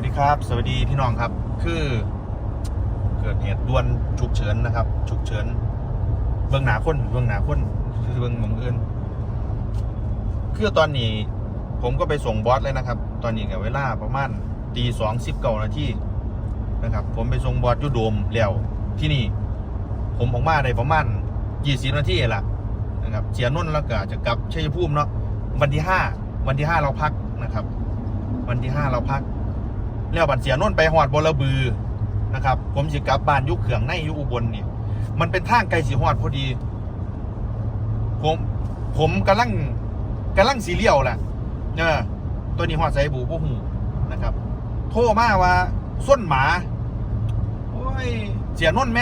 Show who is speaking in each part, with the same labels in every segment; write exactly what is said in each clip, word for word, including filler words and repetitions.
Speaker 1: ดีครับสวัสดีพี่น้องครับคือเกิดเหตุด่วนฉุกเฉินนะครับฉุกเฉินเบื้องหนาคนเบื้องหนาคนคือเบื้องหมองอื่นคือตอนนี้ผมก็ไปส่งบอสเลยนะครับตอนนี้กับเวลาประมาณตีสองสิบเก้านาทีนะครับผมไปส่งบอสยูโดมแล้วที่นี่ผมออกมาได้ประมาณยี่สิบนาทีแหละนะครับเสียนุ่นแล้วก็จะกลับชัยภูมิเนาะวันที่ห้าวันที่ห้าเราพักนะครับวันที่ห้าเราพักแล้วบัดเสียนุ่นไปหอดบลบือนะครับผมสิกลับบ้านยุคเขื่องในยุคอุบลนี่มันเป็นทางไกลสีหอดพอดีผมผมกำลังกำลังสีเลี้ยวแหละเนี่ยตัวนี้หอดใส่บูพวกหูนะครับโทรมาว่าส้นหมาโอ้ยเสียนุ่นไหม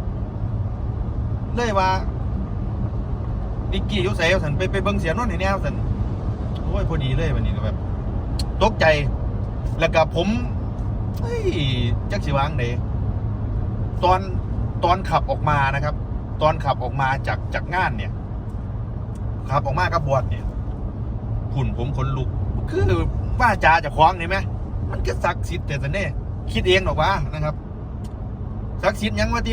Speaker 1: เลยว่านิกกี้ยุใส่เอาสันไปไปเบิ้งเสียนุ่นในแนวสันโอ้ยพอดีเลยวันนี้ก็แบบตกใจแล้วก็ผมเฮ้ยจักสิวางไหนตอนตอนขับออกมานะครับตอนขับออกมาจากจากงานเนี่ยขับออกมากับบวชเนี่ยหุ่นผมขนลุกคือว่าจาจะคล้องเห็นไหมมันก็ศักดิ์สิทธิ์แต่แต่เนี่ยคิดเองหรอกวะนะครับศักดิ์สิทธิ์ยังวะที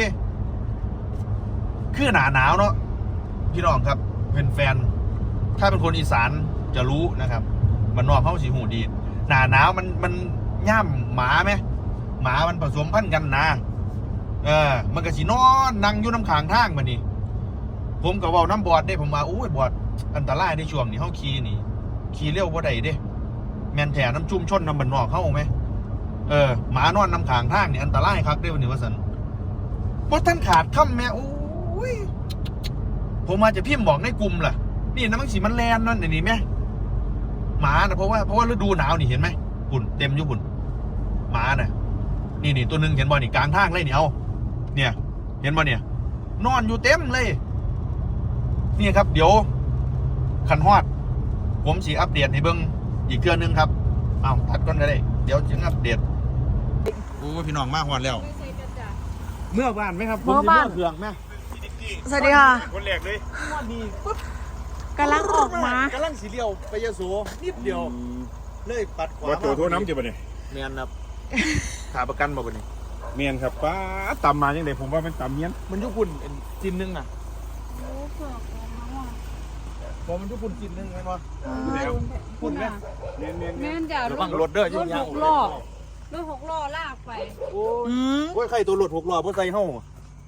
Speaker 1: คือหนาหนาวเนาะพี่น้องครับเป็นแฟนถ้าเป็นคนอีสานจะรู้นะครับมันนอกเข้าสีหูดีหนาหนาวมันมันย่ำหมาไหมหมามันผสมพันธุ์กันนะเออมันก็สีนอนนั่งอยู่น้ำขางทางมานี่ผมก็ว่าน้ำบอดได้ผมมาโอ้ยบอดอันตรายในช่วงนี้เข้าขี่นี่ขี่เร็วว่าใดเด้แมนแถน้ำชุ่มชนน้ำบันนอกเข้าไหมเออหมานอนน้ำขางทางนี่อันตรายครับได้วันนี้ว่าสันเพราะท่านขาดค่ำแม่โอ้ยผมมาจะพิมพ์บอกในกลุ่มล่ะนี่น้ำมันสีมันแลนนั่นนี่ไหมหมานะเพราะว่าเพราะว่าฤดูหนาวนี่เห็นไหมปุ่นเต็มอยู่ปุ่นหมาน่ะนี่นี่ตัวหนึ่งเห็นบ่นี่กลางทางเลยเนี่ยเอาเนี่ยเห็นบ่เนี่ยนอนอยู่เต็มเลยนี่ครับเดี๋ยวขันฮอดผมสีอัปเดตให้เบิ้งอีกเทื่อนึงครับอ้าวตัดก่อนก็ได้เดี๋ยวจึงอัปเดตโอ้พี่น้องมาฮอดแล้วเมื่อบ้านไหมครับเมื่อบ้านเครื่องไหม
Speaker 2: สวัสดีค่ะ
Speaker 1: คนแรกเลยว่าดีปุ๊บ
Speaker 2: กำลังออกมาก
Speaker 1: ำลังสีเลี้ยวไปยโสนิดเดียวเลยปัดขวา
Speaker 3: ว่าตัวโทษน้ำจีบเนี่ย
Speaker 1: เมียนครับขาประกันบ่บ่นี่
Speaker 3: เมียนครับป้าตำมาอย่างไรผมว่ามันตำเมียน
Speaker 1: มันยุคุณจินนึงน่ะโอ้เผือกพอมันยุคุณจินนึงไงวะคุณแม่
Speaker 3: เมียนเมียน
Speaker 4: แม่นจ้ะร
Speaker 1: ถรถเด้อยุ่งยาก
Speaker 4: หกล้อรถหกล้อลากไป
Speaker 1: โอ้ยโอ้ยใครตัวรถหกล้อเพราะใส่ห้อง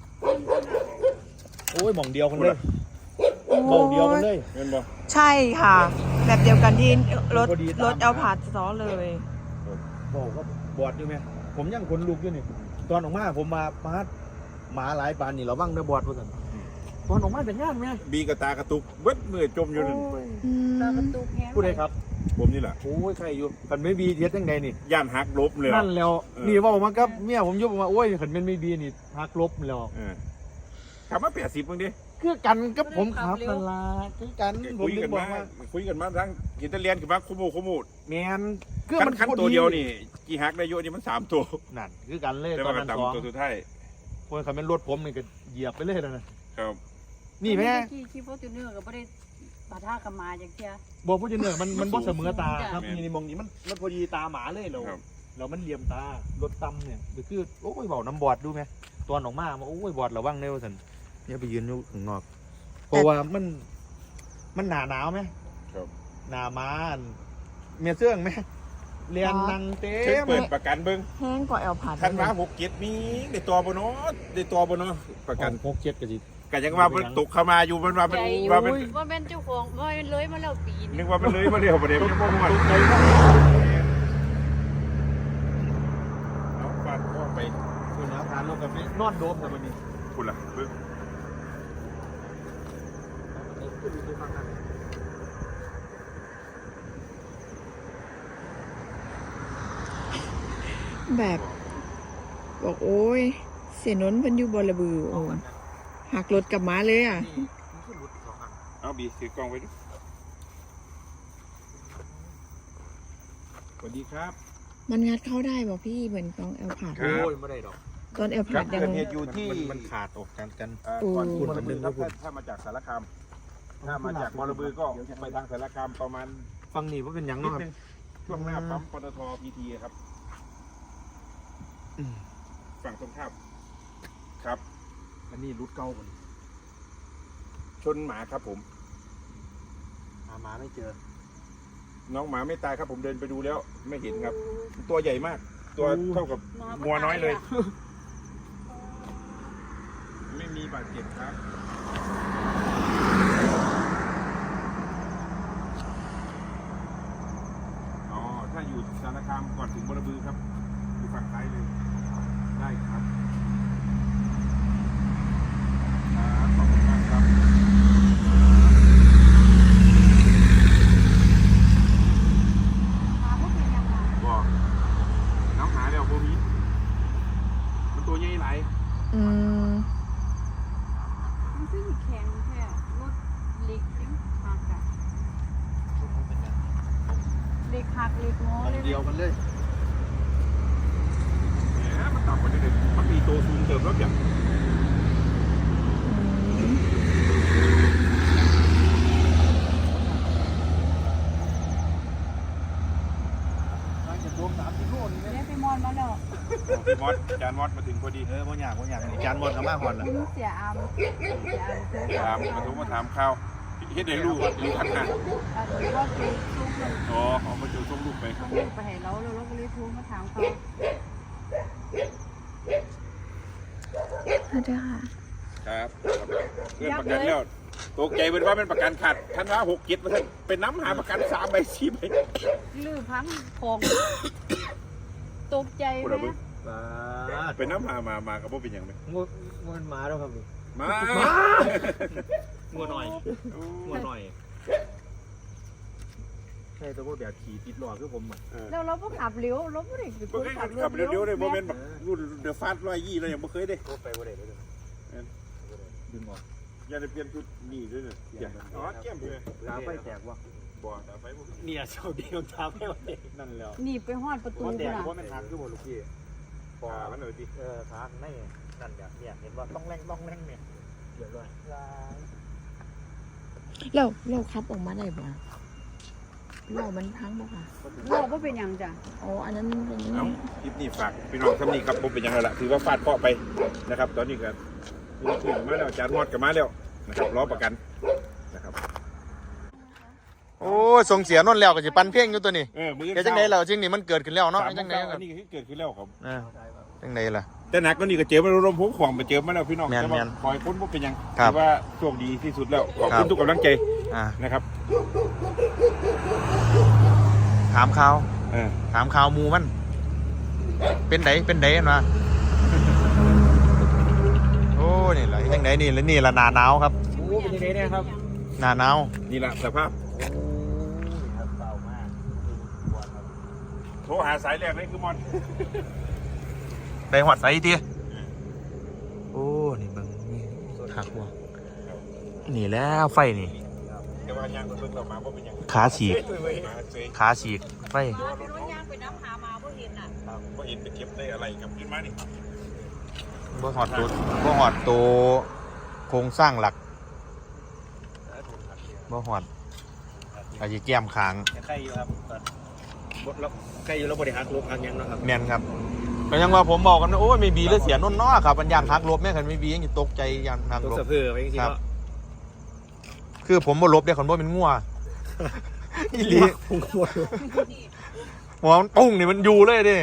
Speaker 1: โอ้ยหม่องเดียวกันเลยหม่องเดียวกันเลย
Speaker 3: เมียนบ่
Speaker 2: ใช่ค่ะแบบเดียวกันที่รถรถเอาผาดซ้อเลย
Speaker 1: บอกว่าบอดอยู่ไหมผมยังขนลุกอยู่นี่ตอนออกมาผมมาพาดหมาหลายปานนี่เราบ้างเด้อบอดเพื่อนตอนออกมาเป็นงานไหม
Speaker 3: บีกระตากระตุกเบิ้ลมือจมอยู่นั่น
Speaker 4: ตากระตุกแห้ง
Speaker 1: พูดเลยครับ
Speaker 3: ผมนี่แหละ
Speaker 1: โอ้ยใครอยู่ขันไม่บีเทียดยังไงนี่
Speaker 3: ย่านหักลบเลย
Speaker 1: นั่นแล้วนี่ว่าออกมาครับเมียผมยุบออกมาโอ้ยขันเป็นไม่บีนี่หักลบแล้ว
Speaker 3: ขับมาแปดสิบมึงดิ
Speaker 1: คือกันกับผมขับตลาดคือกันผม
Speaker 3: คุยกันมาคุยกันมาทั้งกินตะเลียนกับมาคุโมคุโม
Speaker 1: แมน
Speaker 3: คือมันขั้นตัวเดียวนี่กี่ฮักได้เยอะนี่มันสามตัว
Speaker 1: นั่นคือกันเลย
Speaker 3: ตอนนั้นสองตัวสุดท้าย
Speaker 1: คนขับเป็นรถผมนี่ก็เหยียบไปเลยแล้วนะครับนี่แม่
Speaker 4: ขี่ขี่ฟอร์จูเนอร์ก็ไม่ได้ปะทะกับมาอย่างเงี้ย
Speaker 1: บอกฟอร์จูเนอร์มันมันบ่เสมอตาครับนี่ในมองนี้มันมันพอดีตาหมาเลยเราเรามันเหลี่ยมตารถต่ำเนี่ยคือโอ้ยเบาน้ำบอดดูไหมตอนออกมาโอ้ยบอดระวังเร็วสันเนี่ยไปยืนอยู่ข้างนอกเพราะว่ามันมันหนาหนาวไหมหนามาเมียเสื่องไหมเรียนนังเต้
Speaker 3: เปิดประกันเบิ้ง
Speaker 2: แห้งกว่าแอลผัด
Speaker 3: ทันมาหกเจ็ดมีได้ตัวบนโน้ได้ตัวบนโน้ประกัน
Speaker 1: หกเจ็ดกะจิ
Speaker 3: กันยังว่ามันตกเข้ามาอยู่มันว่ามันว่ามัน
Speaker 4: ว่าเป็นเจ้าของว่าเลยมาแล้วปี
Speaker 3: นึกว่ามันเลยมาเร็วประเดี๋ยวมันบ่หมดเอาฟาดข้อไป
Speaker 1: คุณนะทานลงกับนอนโดมแต่วันนี้
Speaker 3: คุณล่ะเบิ้ง
Speaker 2: แบบบอกโอ้ยเสียนนเป็นอยู่บลบือโอ้หักรถกลับมาเลยอ่ะ
Speaker 3: เอาบีถือกล้องไว้ดิสวัสดีครับ
Speaker 2: มันงัดเข้าได้บอกพี่เหมือนตอนแอลผัด
Speaker 1: โอ้ยไม่ได้ดอก
Speaker 2: ตอนแอลผัดยัง
Speaker 3: อยู่ที่
Speaker 1: มันขาดออกกันกัน
Speaker 3: ก่อนคุณมันนึงถ้ามาจากสารคามถ้ามาจากบลบือก็ไปทางสารคามประมาณ
Speaker 1: ฟังนี่ว่าเป็นยังเนาะครับ
Speaker 3: ช่วงหน้าปั๊มปตทพีทีครับฝั่งตรงข้ามครับ
Speaker 1: อันนี้รุดเก้าคน
Speaker 3: ชนหมาครับผม
Speaker 1: หาหมาไม่เจอ
Speaker 3: น้องหมาไม่ตายครับผมเดินไปดูแล้วไม่เห็นครับ ตัวใหญ่มาก ตัวเท่ากับงัวน้อยเลย ไม่มีบาดเจ็บครับอ๋อถ้าอยู่สารคามก่อนถึงบรบือครับอยู่ฝั่งซ้ายเลยได้ครับครับขอบคุณมากครับ
Speaker 4: มาพวกเป็นยังไง
Speaker 3: บอกน้องหาแล้วโบมีมันตัวใหญ่หลาย
Speaker 2: อืม
Speaker 4: มันคือแข็งแค่รถเล็กยังหักอะเล็กหักเล็กงอเลย
Speaker 1: เดียวกันเลย
Speaker 3: แหมมันต่ำกว่านี้เลยมันมีตัวซูมเติมรถอย่าง
Speaker 1: น่าจะรวมสามสิบโลนี่
Speaker 4: เรียกไปมอนมาแล้ว
Speaker 3: พี่มอสจานมอสมาถึงพอดี
Speaker 1: เออบ่อยากบ่อยากนี่จานหมดกับมาหอนละ
Speaker 4: มึงเสียอามเสียอามเสีย
Speaker 3: ถามมาทุกมาถามข้าวเฮ็ดให้ลูกลูกขันหัก
Speaker 4: อันนี้ว่าคือซุกมัน
Speaker 3: อ๋อเอามาเจอส่งลูกไป
Speaker 4: มันลูกไปให้เราแล้วเราก็เลยโทรมาถามเขา
Speaker 2: สวัสดีค่ะ
Speaker 3: ครับเรื่องประกันแล้วตกใจเป็นว่าเป็นประกันขาดท่านว่าหกเจ็ดเปอร์เซ็นต์เป็นน้ำหาประกันสามใบสี่ใบ
Speaker 4: ลื้อพังของตกใจไหม
Speaker 3: เป็นน้ำหามามากับพวกเป็นอย่างไร
Speaker 1: งวดงวดหมาแล้วครับ
Speaker 3: มา
Speaker 1: งัวหน่อยงัวหน่อยใช่ตัวพวกแบบขี่ติดหลอดคือผมอ่ะ
Speaker 4: แล้วเราก็ขับเร็วเราไม่ได้เป็นค
Speaker 3: บ่
Speaker 4: น
Speaker 3: เคย
Speaker 4: ขับ
Speaker 3: ขับ
Speaker 4: เร็ว
Speaker 3: เร็วๆเลยโมเมนต์แบบรุ่นเดอะฟาสต์ร้อยยี่เรายังไม่เคยได้
Speaker 1: รถไปบ่ได้เลยดึงออก
Speaker 3: อย่าได้เปลี่ยนชุดนี่ด้วยเนี่ยอ๋อแก้มเลย
Speaker 1: ลาไฟแตกวะ
Speaker 3: บ่แต่ไฟบ่
Speaker 1: เนี่ยเจ้าเดียวทำให้มันเด็กนั่นแล้ว
Speaker 4: หนีบไปหอดประตู
Speaker 1: มันแตก
Speaker 4: น่ะ
Speaker 1: เพราะมันหักคือบ่ลูกพี่
Speaker 3: บ่มันเลยดิ
Speaker 1: เออขาในนั่นเนี่ยเนี่ยเห็นว่าต้องแรงต้องแรงเนี่ยเดี๋ยวเลย
Speaker 2: เราเราขับออกมาได้บ่เรามันพังบ่ค่ะ
Speaker 4: เราก็เป็นอย่างจ้ะ
Speaker 2: อ๋ออันนั้นเป็น
Speaker 3: เอาคลิปนี้ฝากพี่น้องทำนี่ครับผมเป็นยังไงล่ะถือว่าฟาดเคาะไปนะครับ ตอนนี้ก็มีขึ้นมาแล้วจานมอดกับมาแล้วนะครับล้อประกันนะครับ
Speaker 1: โอ้ส่งเสียนนแล้วก็สิปันเพ่งอยู่ตัวนี้
Speaker 3: เออมือ
Speaker 1: แกจังได๋แล้วจริงนี่มันเกิดขึ้นแล้วเนาะ
Speaker 3: สาม
Speaker 1: จัง
Speaker 3: ได
Speaker 1: ได๋
Speaker 3: อันนี้คือเกิดขึ้นแล้วครับ
Speaker 1: อ่าจังได๋ล่ะ
Speaker 3: แต่หนักก็นี่ก็เจอมาลมพุ่งขวางไปเจอมาแล้วพี่น้อง
Speaker 1: แม่น
Speaker 3: แต่ว่า
Speaker 1: แม่น
Speaker 3: คอยพ้นว่าเป็นยัง
Speaker 1: ครับ
Speaker 3: ถือว่าโชคดีที่สุดแล้วขอบ
Speaker 1: ครั
Speaker 3: คุ
Speaker 1: บ
Speaker 3: ณทุกกำลังใจ
Speaker 1: อ่า
Speaker 3: นะครับ
Speaker 1: ถามข่าว
Speaker 3: เออ
Speaker 1: ถามข่าวหมูมัน เป็นไดเป็นไดกันวะโอ้นี่แหละยังไงนี่แล้วนี่ละหนาหนาวครับ
Speaker 4: โอ้เป็นยังไงเนี่ยครับ
Speaker 1: หนาหนาว
Speaker 3: นี่แหละสภาพโทรหาสายแรกเลยคือมอน
Speaker 1: ได้หอดใส่ทีโอ้นี่เบิ่งนี่หักวะนี่แล้วไฟนี่
Speaker 3: แต่ว่ายังเบิ่งเรามาว่าเป็นยัง
Speaker 1: ขาฉีก
Speaker 3: มาเซย
Speaker 1: ขาฉีกไฟ
Speaker 4: รถยางไปน้ำหามาเพราะเห็นอ่ะ
Speaker 3: ว่าเห็นไปเก็บได้อะไรกับขึ้นมานี่
Speaker 1: บ่หอดตัวบ่หอดตัวโครงสร้างหลักบ่หอดอาจจะแก้มขาง
Speaker 5: ใกล้อยู่ครับตอนบดแล้วใกล้อยู่แล้วบริหารลบทางยังเนาะครับ
Speaker 1: แม่นครับก็ยังว่าผมบอกกันนะโอ้ยไม่บีแล้วเสียนนเนาะครับมันยางหักลบแม่คันไม่บียังสิตกใจยางหัก
Speaker 5: ตัว
Speaker 1: ลบ
Speaker 5: สะเพือไปจริงๆ
Speaker 1: ครับ
Speaker 5: เนาะ
Speaker 1: คือผมบ่ลบเด้คนบ่เป็นงัวอีหลี
Speaker 5: ผมก็หมด
Speaker 1: หัวมันปุ้งนี่มันอยู่เลยเด้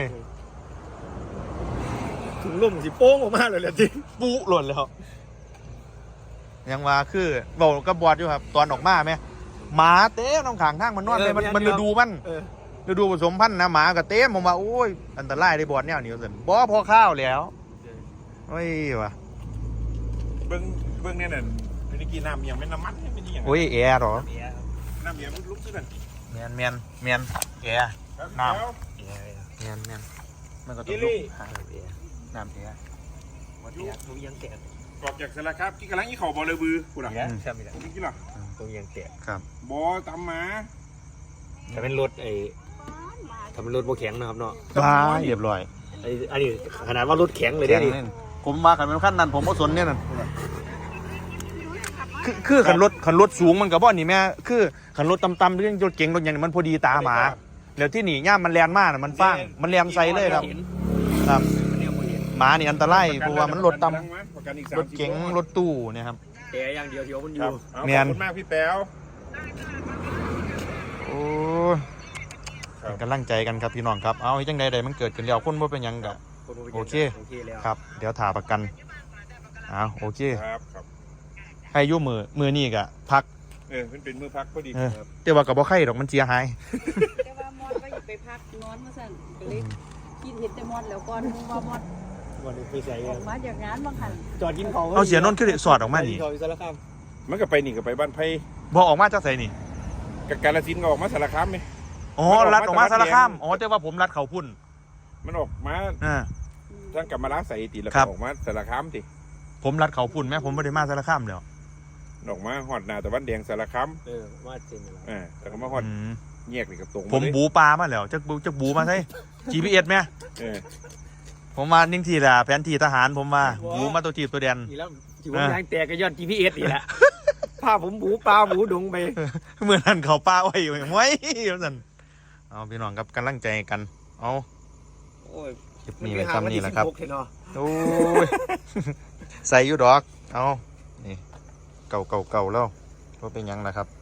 Speaker 5: ถุงลุ่มสิโป้งออกมาเลยแหละจริง
Speaker 1: ปุ๊หล่นแล้วยังว่าคือบอกกับบอดอยู่ครับตอนออกมาไหมหมาเต้น้องขางทางมันนอนเลยมันมันฤดูมัน
Speaker 5: เออ
Speaker 1: ฤดูผสมพันธุ์นะหมากับเต้ผมว่าโอ้ยอันตรายได้บอดแนวนี้สิบ่พอข้าวแล้วโอ้ยวะ
Speaker 3: เบิ้งเบิ้งเนี่ยน่ะเป็นกี่น้ำยังไม่น้ำมันไม่นี่ยัง
Speaker 1: โอ้ยแอร์หรอ
Speaker 5: เบียร์
Speaker 3: น้ำยังลุกขึ้นนั่น
Speaker 1: แมนแมนแมนแอร์ น้ำ
Speaker 3: แล้ว
Speaker 5: เบียร์
Speaker 1: แมนแมนมันก็ต้
Speaker 3: กิ
Speaker 1: อง
Speaker 3: ลี่
Speaker 5: หาเบียร์
Speaker 1: น้ำแอร์
Speaker 5: วัดเบียร์ตัวยังแตก
Speaker 3: ออกจากสารครับกี่กำลังยี่เข่าบอลเลยบือกูด่ะ
Speaker 5: เบียร์ใช่ไหมล่ะ
Speaker 3: กี่หรอ
Speaker 5: ตัวยังแตก
Speaker 1: ครับ
Speaker 3: บอตามมา
Speaker 5: ถ้าเป็นรถไอ้ถ้าเป็นรถโบแข็งนะครับเนาะ
Speaker 1: บ้าเรียบร้อย
Speaker 5: ไอ้อันนี้ขนาดว่ารถแข็งเลย
Speaker 1: แข็
Speaker 5: ได้
Speaker 1: ง
Speaker 5: ดิ
Speaker 1: นี่ผมมาขันเป็นขั้นนั้นผมก็สนเนี่ยนั่นคือคือขันรถขันรถสูงมันกับบ่อนี่แม่คือขันรถต่ำๆเรื่องรถเก๋งรถอย่างนี้มันพอดีตาหมาแล้วที่หนีย่ามมันแลนมากน่ะมันฟ้างมันแลนใส่เลยครับ ครับ
Speaker 5: มันเนี่ย
Speaker 1: หมานี่อันตรายเพราะว่ามันรถต่
Speaker 3: ประกันอีก
Speaker 1: ำ
Speaker 3: สาม
Speaker 1: รถเก๋งรถตู้เนี่ยครับ
Speaker 5: แต่อย่างเดียวที่ว่ามันอ
Speaker 3: ครั
Speaker 5: ยู่
Speaker 3: บเอา
Speaker 1: เมีย
Speaker 3: ขอน บคุณมากพี่แป๊ว
Speaker 1: โอ้ย
Speaker 3: ครับ
Speaker 1: เป็นกำลังใจกันครับพี่น้องครับเอาจังใดใดมันเกิดขึ้นแล้วคนบ่เป็นหยังกะ โอเค
Speaker 5: โอเคแล้ว
Speaker 1: ครับ เดี๋ยวถ่าประกันเอาโอเค
Speaker 3: ครับครับ
Speaker 1: ให้อยุ่มือมือนี่กะพัก
Speaker 3: เออมันเป็นมือพักพอดี
Speaker 1: เออแต่ว่ากับบ่ไข่ดอกมันเสียหาย
Speaker 4: แต่ว่ามอดก็อย่าไปพักนอนมาสั่นก็เลยกินเห็ดแต่มอดแล้วก่อนมึงว่ามอด
Speaker 5: วันนี้ไปใส่
Speaker 4: ออกมาจากงานบางหัน
Speaker 5: จอดกินเขา
Speaker 1: เอาเสียนนท์ขึ้นสอดออกมานี่
Speaker 5: จอดกินเขาอยู่สารคาม
Speaker 3: มันก็ไปนี่ก็ไปบ้านไผ่
Speaker 1: บ่ออกมาจากไสนี่
Speaker 3: กับกาฬสินธุ์ก็ออกมาสารคามไหม
Speaker 1: อ๋อรัดออกมาสารคามอ๋อแต่ว่าผมรัดเขาพุ่น
Speaker 3: มันออกมา
Speaker 1: อ่า
Speaker 3: ทางกลับมาล้าใส่ติแล้ว
Speaker 1: ครั
Speaker 3: ก็
Speaker 1: บ
Speaker 3: ออกมาสารคามติ
Speaker 1: ผมรัดเขาพุ่นแม่ผมไม่ได้มาสารคามแล้ว
Speaker 3: ออกมาหอดหนาตะวันแดงสารคาม
Speaker 5: เออมาเซ็นแล้ว
Speaker 3: อ่าแต่ก็มาหอด
Speaker 1: อืม
Speaker 3: แยกนี่กับตรง
Speaker 1: ผม
Speaker 3: าเลย
Speaker 1: บูปลามาแล้วจักบูจักบูมาใช่ จี พี เอส แม่
Speaker 3: เออ
Speaker 1: ผมมานิ่งทีละแผนที่ทหารผมมาบูมาตัวทีบตัวแดน
Speaker 5: นี่แล้วที่ผมยางแตกก็ย้อน จี พี เอส นี่แหละพาผมบูปลาบูดงไป
Speaker 1: เมื่อนั้นเขาป้าไว้อยู่ไว้ยวนั่นเอาพี่น้องครับกำลังใจกันเอา
Speaker 5: โอ้ย
Speaker 1: คลิปนี้ไว้ซ้ำนี่แหละครับ
Speaker 5: มันไปหาวันที่สิหกเถอะเนาะ
Speaker 1: โอ้ย ใส่อยูดอก เอานี่ เก่าเก่าเก่าแล้วว่าเป็นหยังนะครับ